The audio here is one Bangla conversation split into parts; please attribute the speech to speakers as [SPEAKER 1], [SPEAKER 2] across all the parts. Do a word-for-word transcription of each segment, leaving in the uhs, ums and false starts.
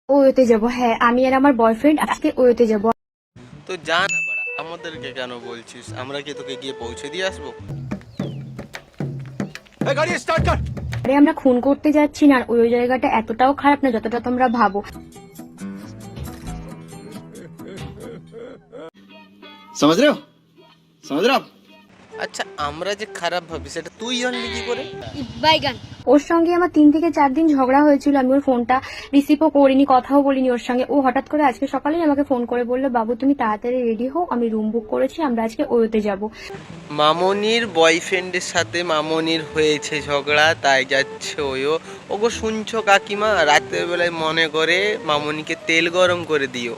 [SPEAKER 1] ওয়োতে যাব। হ্যাঁ, আমি আর আমার বয়ফ্রেন্ড আজকে ওয়োতে যাব।
[SPEAKER 2] তো যা না বাড়া, আমাদেরকে কেন বলছিস? আমরা কি তোকে গিয়ে পৌঁছে দিয়ে আসবো? এই গাড়ি স্টার্ট কর।
[SPEAKER 1] আরে আমরা খুন করতে যাচ্ছি না, আর ওই জায়গাটা এতটাও খারাপ না যতটা তোমরা ভাবো।
[SPEAKER 3] समझ रहे हो समझ रहे हो आप?
[SPEAKER 2] আচ্ছা, আমরা যে খারাপ ভাবি সেটা তুই জানলি কি করে?
[SPEAKER 1] ওর সঙ্গে আমার তিন থেকে চার দিন ঝগড়া হয়েছিল, আমি ওর ফোনটা রিসিভও করিনি, কথাও বলিনি ওর সঙ্গে। ও হঠাৎ করে আজকে সকালেই আমাকে ফোন করে বললো, বাবু তুমি তাড়াতাড়ি রেডি হও, আমি রুম বুক করেছি, আমরা আজকে ওয়োতে যাব।
[SPEAKER 2] মামনির বয়ফ্রেন্ডের সাথে মামনির হয়েছে ঝগড়া, তাই যাচ্ছে ওয়ো। ওগো শুনছো কাকিমা, রাতের বেলায় মনে করে মামনিকে তেল গরম করে দিও।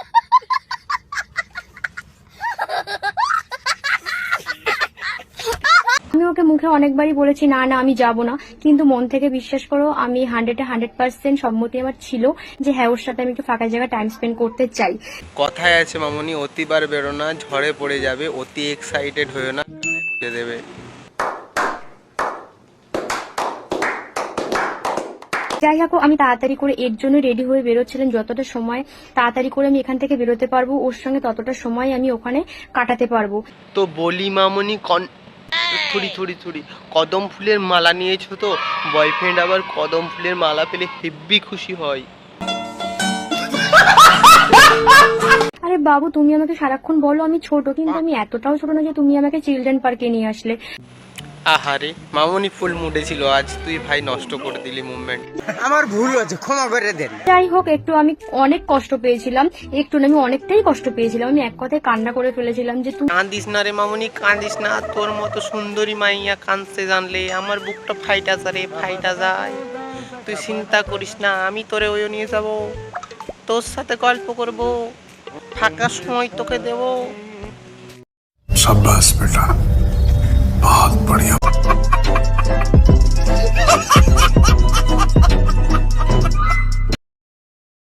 [SPEAKER 1] আমি ওকে মুখে অনেকবারই বলেছি না না আমি যাব না, কিন্তু মন থেকে বিশ্বাস করো আমি হান্ড্রেডে হান্ড্রেড পার্সেন্ট সম্মতি আমার ছিল যে হ্যাঁ ওর সাথে আমি একটু ফাঁকা জায়গায় টাইম স্পেন্ড করতে চাই।
[SPEAKER 2] কথায় আছে মামনি, অতিবার বেরো না, ঝড়ে পড়ে যাবে। অতি এক্সাইটেড হয়েও না, বুঝে দেবে।
[SPEAKER 1] যাই হোক, আমি তাড়াতাড়ি করে এর জন্য রেডি হয়ে বেরোচ্ছিলাম, যতটা সময় তাড়াতাড়ি করে আমি এখান থেকে বেরোতে পারবো ওর সঙ্গে ততটা সময় আমি ওখানে কাটাতে পারবো।
[SPEAKER 2] তো বলি মামনি, কন থুড়ি থুড়ি থুড়ি কদম ফুলের মালা নিয়েছো তো? বয়ফ্রেন্ড আবার কদম ফুলের মালা পেলে হেব্বি খুশি হয়।
[SPEAKER 1] আরে বাবু তুমি আমাকে সারাক্ষণ বলো আমি ছোট, কিন্তু আমি এতটাও ছোট না যে তুমি আমাকে চিলড্রেন পার্কে নিয়ে আসলে।
[SPEAKER 2] আহারে মামনি ফুল মুডে ছিল আজ, তুই ভাই নষ্ট করে দিলি মুভমেন্ট।
[SPEAKER 4] আমার ভুল হয়েছে, ক্ষমা করে দেন।
[SPEAKER 1] যাই হোক, একটু আমি অনেক কষ্ট পেয়েছিলাম, একটু না আমি অনেকটাই কষ্ট পেয়েছিলাম, আমি এক কথায় কান্না করে ফেলেছিলাম যে তুমি।
[SPEAKER 2] কাঁদিস না রে মামনি, কাঁদিস না। তোর মতো সুন্দরী মাইয়া কাঁদতে জানলে আমার বুকটা ফাইটা যায়, ফাইটা যায়। তুই চিন্তা করিস না, আমি তোরে ওই নিয়ে যাব, তোর সাথে গল্প করব, ফাঁকা সময় তোকে দেব।
[SPEAKER 5] शाबाश बेटा।